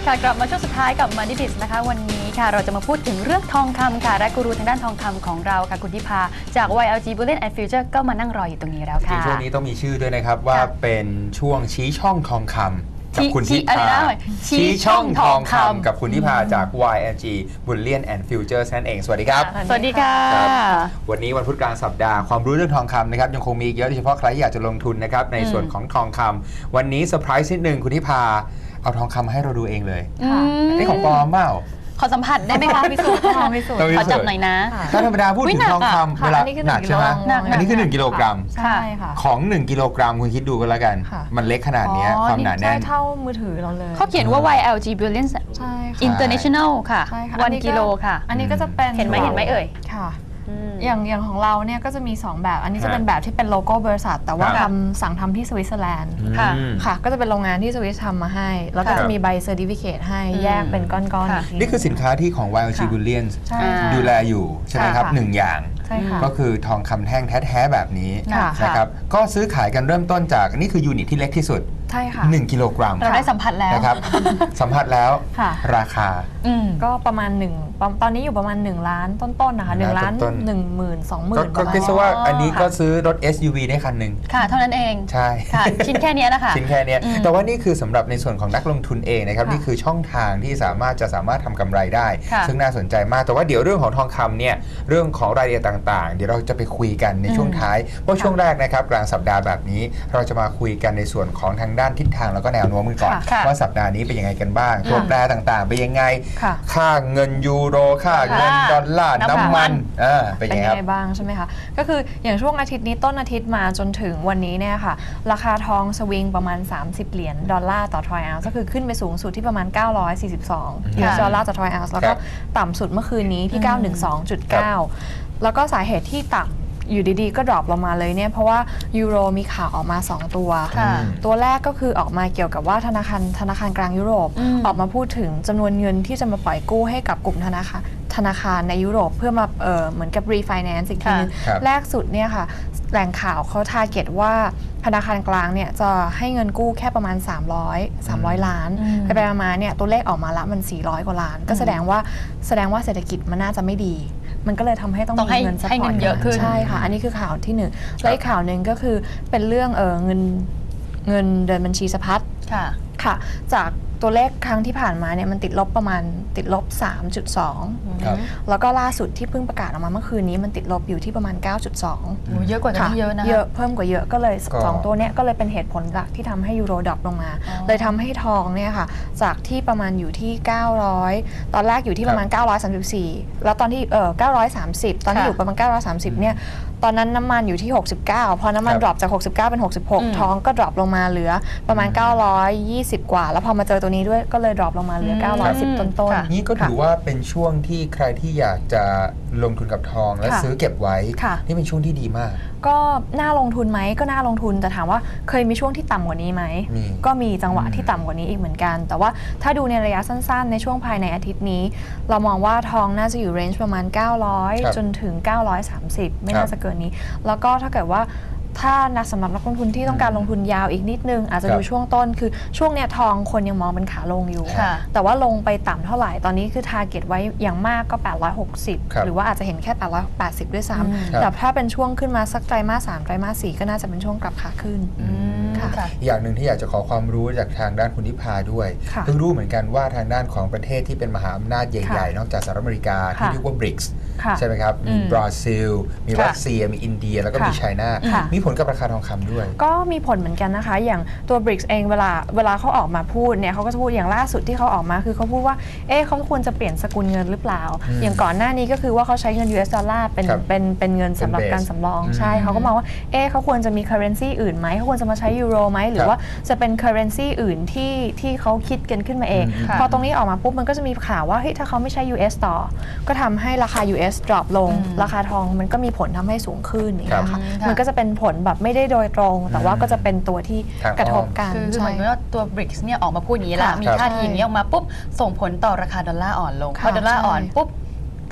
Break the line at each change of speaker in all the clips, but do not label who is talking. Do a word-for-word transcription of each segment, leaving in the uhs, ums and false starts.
ค่ะกลับมาช่วงสุดท้ายกับ Money Biz นะคะวันนี้ค่ะเราจะมาพูดถึงเรื่องทองคำค่ะและกูรูทางด้านทองคำของเราค่ะคุณทิพาจาก วาย แอล จี Bullion and Future ก็มานั่งรออยู่ตรงนี้แล้วค่ะ
ช่วงนี้ต้องมีชื่อด้วยนะครับว่าเป็นช่วงชี้ช่องทองคำกับคุณทิพาชี้ช่องทองคำกับคุณทิพาจาก วาย แอล จี Bullion and Future นั่นเองสวัสดีครับ
สวัสดีค่ะ
วันนี้วันพุธกลางสัปดาห์ความรู้เรื่องทองคำนะครับยังคงมีเยอะโดยเฉพาะใครที่อยากจะลงทุนนะครับในส่วนของทองคำวันนี้เซอร์ไพรส์นิดนึงคุณทิพาเอาทองคำมาให้เราดูเองเลยนี่ของปลอมเปล่า
ขอสัมผัสได้ไหมคะพิสูจน์ขอพิสูจน์ขอจับหน่อยนะ
ถ้าธรรมดาพูดถึงทองคำเวลาหนักใช่ไหมอันนี้คือหนึ่งกิโลกรัม
ใช่ค่ะ
ของหนึ่งกิโลกรัมคุณคิดดูกันแล้วกันมันเล็กขนาดนี้ความหนาแน่น
เท่ามือถือเราเลย
เขาเขียนว่า วาย แอล จี Bullion International ค่ะวันกิโลค่ะ
อันนี้ก็จะเป็น
เห็นไหมเห็นไหมเอ่ย
ค่ะอย่างอย่างของเราเนี่ยก็จะมีสองแบบอันนี้จะเป็นแบบที่เป็นโลโก้บริษัทแต่ว่าทำสั่งทำที่สวิตเซอร์แลนด์
ค่ะ
ค่ะก็จะเป็นโรงงานที่สวิสทำมาให้แล้วก็จะมีใบเซอร์ติฟิเคตให้แยกเป็นก้อนๆ
นี่คือสินค้าที่ของ วาย แอล จี Bullion ดูแลอยู่ใช่ไหมครับหนึ่งอย่างก็คือทองคำแท่งแท้ๆแบบนี้นะครับก็ซื้อขายกันเริ่มต้นจากนี่คือยูนิตที่เล็กที่สุด
ใช่ค่ะ
หนึ่งกิโลกรัม
เราได้สัมผัสแล้ว
นะครับสัมผัสแล้วราคา
ก็ประมาณหนึ่งตอนนี้อยู่ประมาณหนึ่งล้านต้นๆนะคะหนึ่งล้านหนึ่งหมื่นสองหมื่น
ก็คิดว่าอันนี้ก็ซื้อรถ เอส ยู วี ได้คันหนึ่ง
ค่ะเท่านั้นเอง
ใช่
ค่ะชิ้นแค่นี้นะคะ
ชิ้นแค่นี้แต่ว่านี่คือสำหรับในส่วนของนักลงทุนเองนะครับนี่คือช่องทางที่สามารถจะสามารถทำกำไรได้ซึ่งน่าสนใจมากแต่ว่าเดี๋ยวเรื่องของทองคำเนี่ยเรื่องของรายละเอียดต่างๆเดี๋ยวเราจะไปคุยกันในช่วงท้ายเพราะช่วงแรกนะครับกลางสัปดาห์แบบนี้เราจะมาคุยกันในส่วนของทางด้านทิศทางแล้วก็แนวโน้มกันก่อนว่าสัปดาห์นี้เป็นยังไงกันบ้างตัวแปรต่างๆเป็นยังไงค่าเงินยูโรค่าเงินดอลลาร์น้ำมัน
เป็นยังไงบ้างใช่ไหมคะก็คืออย่างช่วงอาทิตย์นี้ต้นอาทิตย์มาจนถึงวันนี้เนี่ยค่ะราคาทองสวิงประมาณสามสิบเหรียญดอลลาร์ต่อทรอยออนซ์ก็คือขึ้นไปสูงสุดที่ประมาณเก้าร้อยสี่สิบสองดอลลาร์ต่อทรอยออนซ์แล้วก็ต่ำสุดเมื่อคืนนี้ที่เก้าร้อยสิบสองจุดเก้าแล้วก็สาเหตุที่ต่ำอยู่ดีๆก็ดรอปลงมาเลยเนี่ยเพราะว่ายูโรมีข่าวออกมาสองตัวตัวแรกก็คือออกมาเกี่ยวกับว่าธนาคารธนาคารกลางยุโรปออกมาพูดถึงจำนวนเงินที่จะมาปล่อยกู้ให้กับกลุ่มธนาคารธนาคารในยุโรปเพื่อมาเออเหมือนกับ refinance อีกทีนึงแรกสุดเนี่ยค่ะแหล่งข่าวเขาทาร์เก็ตว่าธนาคารกลางเนี่ยจะให้เงินกู้แค่ประมาณสามร้อยล้านแต่ไปมาเนี่ยตัวเลขออกมาละมันสี่ร้อยกว่าล้านก็แสดงว่าแสดงว่าเศรษฐกิจมันน่าจะไม่ดีมันก็เลยทำให้ต้องมีเงินซัพพอร์ต
เยอะขึ้น
ใช่ค่ะอันนี้คือข่าวที่หนึ่งและอีกข่าวหนึ่งก็คือเป็นเรื่องเออเงินเงินเดินบัญชีสะพัด
ค่ะ
ค่ะจากตัวเลขครั้งที่ผ่านมาเนี่ยมันติดลบประมาณติดลบ สามจุดสอง แล้วก็ล่าสุดที่เพิ่งประกาศออกมาเมื่อคืนนี้มันติดลบอยู่ที่ประมาณ เก้าจุดสอง
เยอะกว่านั้นเยอะนะ
เยอะเพิ่มกว่าเยอะก็เลยสองตัวเนี้ยก็เลยเป็นเหตุผลหลักที่ทำให้ยูโรดรอปลงมาเลยทำให้ทองเนี่ยค่ะจากที่ประมาณอยู่ที่เก้าร้อยตอนแรกอยู่ที่ประมาณเก้าร้อยสามสิบสี่แล้วตอนที่เออเก้าร้อยสามสิบตอนที่อยู่ประมาณเก้าร้อยสามสิบเนี่ยตอนนั้นน้ำมันอยู่ที่หกสิบเก้าพอน้ำมันดรอปจากหกสิบเก้าเป็นหกสิบหกทองก็ดรอปลงมาเหลือประมาณเก้าร้อยยี่สิบกว่าแล้วพอมาเจอตัวนี้ด้วยก็เลยดรอปลงมาเหลือเก้าร้อยสิบต้นๆ
นี่ก็ถือว่าเป็นช่วงที่ใครที่อยากจะลงทุนกับทองและซื้อเก็บไว้นี่เป็นช่วงที่ดีมาก
ก็น่าลงทุนไหมก็น่าลงทุนแต่ถามว่าเคยมีช่วงที่ต่ำกว่านี้ไหมก็มีจังหวะที่ต่ำกว่านี้อีกเหมือนกันแต่ว่าถ้าดูในระยะสั้นๆในช่วงภายในอาทิตย์นี้เรามองว่าทองน่าจะอยู่เรนจ์ประมาณเก้าร้อยจนถึงเก้าร้อยสามสิบไม่น่าจะเกินนี้แล้วก็ถ้าเกิดว่าถ้านักสำหรับนักลงทุนที่ต้องการลงทุนยาวอีกนิดนึงอาจจะดูช่วงต้นคือช่วงเนี้ยทองคนยังมองเป็นขาลงอยู่แต่ว่าลงไปต่ำเท่าไหร่ตอนนี้คือทาร์เก็ตไว้อย่างมากก็แปดร้อยหกสิบหรือว่าอาจจะเห็นแค่แปดร้อยแปดสิบด้วยซ้ำแต่ถ้าเป็นช่วงขึ้นมาสักไตรมาสสามไตรมาสสี่ก็น่าจะเป็นช่วงกลับขาขึ้น
อย่างหนึ่งที่อยากจะขอความรู้จากทางด้านคุณทิพาด้วยเพิ่งรู้เหมือนกันว่าทางด้านของประเทศที่เป็นมหาอำนาจใหญ่ๆนอกจากสหรัฐอเมริกาที่เรียกว่า บริกส์ ใช่ไหมครับมีบราซิลมีรัสเซียมีอินเดียแล้วก็มีไชน่ามีผลกับราคาทองคำด้วย
ก็มีผลเหมือนกันนะคะอย่างตัว บริกส์ เองเวลาเวลาเขาออกมาพูดเนี่ยเขาก็จะพูดอย่างล่าสุดที่เขาออกมาคือเขาพูดว่าเอ๊ะเขาควรจะเปลี่ยนสกุลเงินหรือเปล่าอย่างก่อนหน้านี้ก็คือว่าเขาใช้เงิน ยู เอส ดอลลาร์เป็นเป็นเป็นเงินสำหรับการสำรองใช่เขาก็มองว่าเอ๊ะเขาควรจะมี currency อื่นไหมเขาควรจะมาใช้ยูโรไหมหรือว่าจะเป็น currency อื่นที่ที่เขาคิดกันขึ้นมาเองพอตรงนี้ออกมาปุ๊บมันก็จะมีข่าวว่าเฮ้ยถ้าเขาไม่ใช้ ยู เอส ต่อก็ทำให้ราคา ยู เอส ดรอปลงราคาทองมันก็มีผลทำให้สูงขึ้นอย่างเงี้ยค่ะมันก็จะเป็นผลแบบไม่ได้โดยตรงแต่ว่าก็จะเป็นตัวที่กระทบกัน
คือเหมือนว่าตัว บริกส์ เนี่ยออกมาพูดอย่างนี้ละมีท่าทีอย่างนี้ออกมาปุ๊บส่งผลต่อราคาดอลลาร์อ่อนลงพอดอลลาร์อ่อนปุ๊บ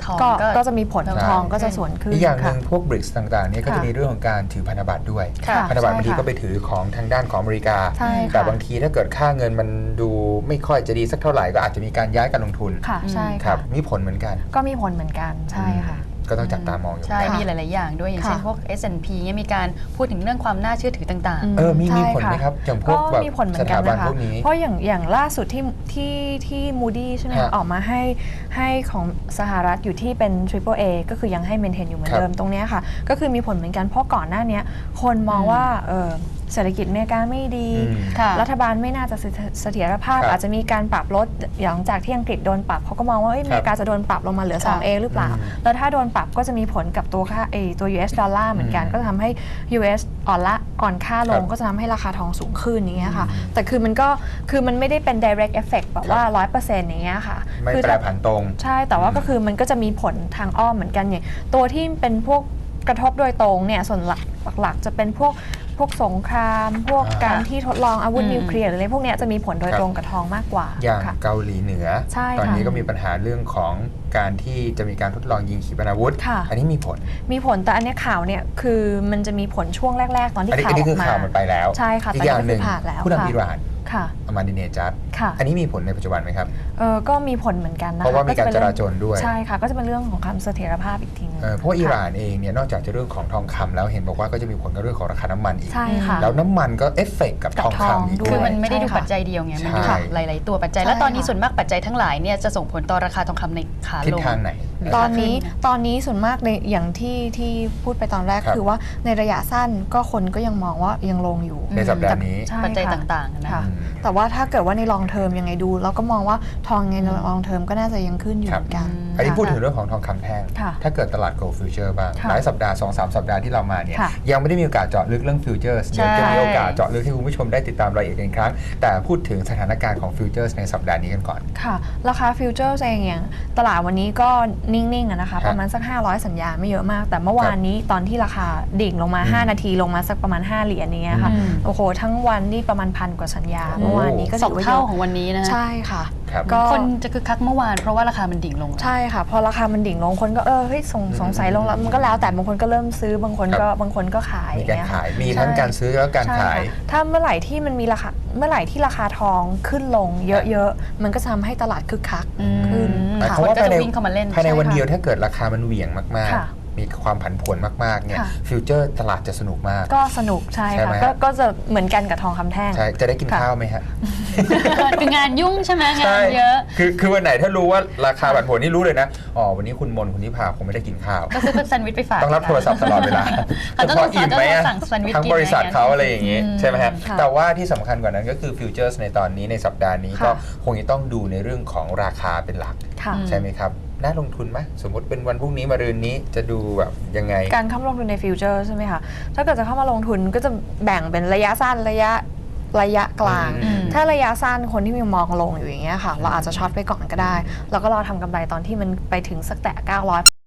ทอง
ก็
ก็
ก็จะมีผล
ใช่
ทองก็จะสวนขึ้น
อีกอย่างหนึ่ง
ค่ะ
พวกบริกส์ต่างๆเนี่ยก็จะ
ค่ะ
มีเรื่องของการถือพันธบัตรด้วย
ค่ะ
พันธบัตร
ใช่
บางที
ค่ะ
ก็ไปถือของทางด้านของอเมริกา
ใช่ค่ะ
แต่บางทีถ้าเกิดค่าเงินมันดูไม่ค่อยจะดีสักเท่าไหร่ก็อาจจะมีการย้ายการลงทุน
ค่ะใช่
ครั
ค่ะ
บมีผลเหมือนกัน
ก็มีผลเหมือนกันใช่ค่ะ
ก็ต้องจับตามองอยู่
ใช่
เหมือนกัน
มีหลาย ๆ อย่างด้วย อย่างเช่น
ค่ะ
พวก เอส แอนด์ พี เนี่ยมีการพูดถึงเรื่องความน่าเชื่อถือต่าง
อื
เออมีมี
ใช่
ผลไหม
ะ
ครับอย่างพวก
ก็
แบบ
มีผลเหมื
ส
อนกั
ถาน บัน
นะคะ
พวกนี้
เพราะอย่างอย่างล่าสุดที่ที่ที่ Moody ใช่ไหม
ฮะ
คะออกมาให้ให้ของสหรัฐอยู่ที่เป็น Triple A ก็คือยังให้ maintain อยู่เหมือน
ครับ
เดิมตรงเนี้ยค่ะ ก็คือมีผลเหมือนกันเพราะก่อนหน้าเนี้ยคนมองว่าเออเศรษฐกิจอเมริกาไม่ดี
อืม
ๆ ค่ะ
รัฐบาลไม่น่าจะเสถเสถียรภาพ
ครับ
อาจจะมีการปรับลดหลังจากที่อังกฤษโดนปรับเขาก็มองว่าเอ้ยอเมริกาจะโดนปรับลงมาเหลือ
ค่ะ
สอง เอ หรือเปล่า
อืม
แล้วถ้าโดนปรับก็จะมีผลกับตัวค่าเอตัว ยู เอส ดอลลาร์เหมือนกัน
อืม
ก็จะทำให้ ยู เอส อ่อนละอ่อนค่าลง
ครับ
ก็จะทำให้ราคาทองสูงขึ้นอย่างเงี้ยค่ะ แต่คือมันก็คือมันไม่ได้เป็น direct effect แบบว่า ร้อยเปอร์เซ็นต์ อย่างเงี้ยค่ะ
ไม่
คือ
แปรผันตรง
ใช่แต่ว่าก็คือมันก็จะมีผลทางอ้อมเหมือนกันอย่างตัวที่เป็นพวกกระทบโดยตรงเนี่ยส่วนหลักหลักๆจะเป็นพวกพวกสงคราม พวก
อ่า
การที่ทดลองอาวุธ
อืม
นิวเคลียร์หรืออะไรพวกเนี้ยจะมีผลโดย
ครับ
ตรงกับทองมากกว่า
อย่าง
ค่ะ
เกาหลีเหนือ
ใช่
ตอน
ค่ะ
นี้ก็มีปัญหาเรื่องของการที่จะมีการทดลองยิงขีปนาวุธ
ค่ะ
อันนี้มีผล
มีผลแต่อันเนี้ยข่าวเนี่ยคือมันจะมีผลช่วงแรก ๆ ตอนที่
อันนี้
ข่า
อั
วน
นี้
อ
คือ
อกมา
ข่าวมันไปแล้ว
ใช่ค่ะ
อีก
ตอน
อย่าง
นี้
หนึ่ง
ก็คือผ่านแล้ว
ผู้นำ
ค่ะ
อิหร่าน
ค่ะ
อามาดิเนจัด
ค่ะ
อันนี้มีผลในปัจจุบันไหมครับ
เออก็มีผลเหมือนกันนะคะ
เพราะว่ามีการ
จะ
จ
เป็น
ราจรด้วย
ใช่ค่ะก็จะเป็นเรื่องของความเสถียรภาพอีกทีนึง
เออเพราะว่าอิหร่า
ค่ะ
นเองเนี่ยนอกจากจะเรื่องของทองคำแล้วเห็นบอกว่าก็จะมีผลกับเรื่องของราคาน้ำมันอีก
ใช่ค่ะ
แล้วน้ำมันก็เอฟเฟกต์กับ
กับ
ทอง
ทอง
คำอีก
ด้
ด้
คื
ว
อย มันไม่ได้ดู
ใช่ค่ะ
ปัจจัยเดียวไง มันดู
ใช่
หลาย ๆ ตัวปัจจัย
ใช่
แล้วตอนนี้
ค่ะ
ส่วนมากปัจจัยทั้งหลายเนี่ยจะส่งผลต่อราคาทองคำในขา
ทิศ
ลง
ทางไหน
หรือ
ตอนนี้
ขาขึ้ะ
ตอนนี้ส่วนมากในอย่างที่ที่พูดไปตอนแรก
ครับ
คือว่าในระยะสั้นก็คนก็ยังมองว่ายังลงอยู่
ในสัปดาห์นี้
ใช่
ปัจจัย
ค่ะ
ต่าง ๆ นะ
ค่ะ
อืม
แต่ว่าถ้าเกิดว่าในลองเทอมยังไงดู เราก็มองว่าทองในลองเทอมก็น่าจะยังขึ้นอยู่
ครั
เห
บ
มือนกัน
อืม
อันนี้
ค่ะ
พูดถึงเรื่องของทองคำแท่ง
ค่ะ
ถ้าเกิดตลาด Gold Future บ้าง
ค่ะ
หลายสัปดาห์ สองสาม สัปดาห์ที่เรามาเนี่ย
ค่ะ
ยังไม่ได้มีโอกาสเจาะลึกเรื่อง Futures เดี๋ยวจะมีโอกาสเจาะลึกให้คุณผู้ชมได้ติดตามรายละเอียดกันอีกครั้ง แต่พูดถึงสถานการณ์ของ Futures ในสัปดาห์นี้กันก่อน
ค่ะราคาฟิวเจอร์เองอย่างตลาดวันนี้ก็นิ่งๆอะนะคะ
ครับ
ประมาณสัก ห้าร้อย สัญญาณไม่เยอะมาก แต่เมื่อวานนี้ตอนที่ราคาดิ่งลงมา
อืม
ห้า นาทีลงมาสักประมาณ ห้า เหรียญนี้ยค่ะ
อืม
โอ้โหทั้งวันนี่ประมาณพันกว่าสัญญา
โอ้
เมื่อวานนี้ก็
ส
ถื
อง
อว่าเย
เท่า
อะ
ของวันนี้นะ
ใช่ค่ะ
ครับ
ก็
คนจะคึกคักเมื่อวานเพราะว่าราคามันดิ่งลง
ใช่ค่ะ พอราคามันดิ่งลงคนก็เออเฮ้ยสง
อืม
สงสัยลงแล้วมันก็แล้วแต่บางคนก็เริ่มซื้อบางคนก็
ครับ
บางคนก็ขาย
มี
อย่
การ
งเงี้
ขาย
ค่ะ
มีทั้ง
ใช่
การซื้อแล้วก็การ
ใช่
ขาย
ค่ะถ้าเมื่อไหร่ที่มันมีราคาเมื่อไหร่ที่ราคาทองขึ้นลงเยอะๆมันก็จะทำให้ตลาดคึกคัก
อืม
ขึ้น
หมาย
ค่ะ
ความว่า
ก็
ภาย
จะ
ใน
วิ่งเข้ามาเล่น
ภายใน
ใช่
วัน
ค่ะ
เดียวถ้าเกิดราคามันเหวี่ยงมาก
ค่ะ
ๆ มีความผันผวนมากๆเนี่ย
ค่ะ
ฟิวเจอร์ตลาดจะสนุกมาก
ก็สนุกใช่
ใช่ไหม
ค่ะ
ฮะ
ก็ก็จะเหมือนกันกับทองคำแท่ง
ใช่จะได้กิน
ค่ะ
ข้าวไหมฮะ
คืองานยุ่งใช่ไหมงา
ใช่
นเยอะ
คือคือวันไหนถ้ารู้ว่าราคาผันผวนนี่รู้เลยนะอ๋อวันนี้คุณมนคุณนิพาคงไม่ได้กินข้าว
ก็ซื้อเป็นแซนด์วิชไปฝาก
ต้องรับโทรศัพท์ตลอดเวลา
เขา
จะ
ต้อง
พออิ่มไหมอะ
สั่งแซนด์วิช
ทั้ง
กิน
บริษัท
อะไรอย่างเงี้ย
เขาอะไรอย่างงี้
อืม
ใช่ไหมฮะ
ค่ะ
แต่ว่าที่สำคัญกว่านั้นก็คือฟิวเจอร์สในตอนนี้ในสัปดาห์นี้
ค่ะ
ก็คงจะต้องดูในเรื่องของราคาเป็นหลัก
ค่ะ
อืม
ใช่ไหมครับ น่าลงทุนไหมสมมติเป็นวันพรุ่งนี้มารืนนี้จะดูแบบยังไง
การเข้ามาลงทุนในฟิวเจอร์ใช่ไหมคะ ถ้าเกิดจะเข้ามาลงทุนก็จะแบ่งเป็นระยะสั้นระยะระยะกลาง
อืม
ถ้าระยะสั้นคนที่มีมองลงอยู่อย่างเงี้ยค่ะ เราอาจจะช็อตไปก่อนก็ได้ แล้วก็รอทำกำไรตอนที่มันไปถึงสักแตะเก้าร้อย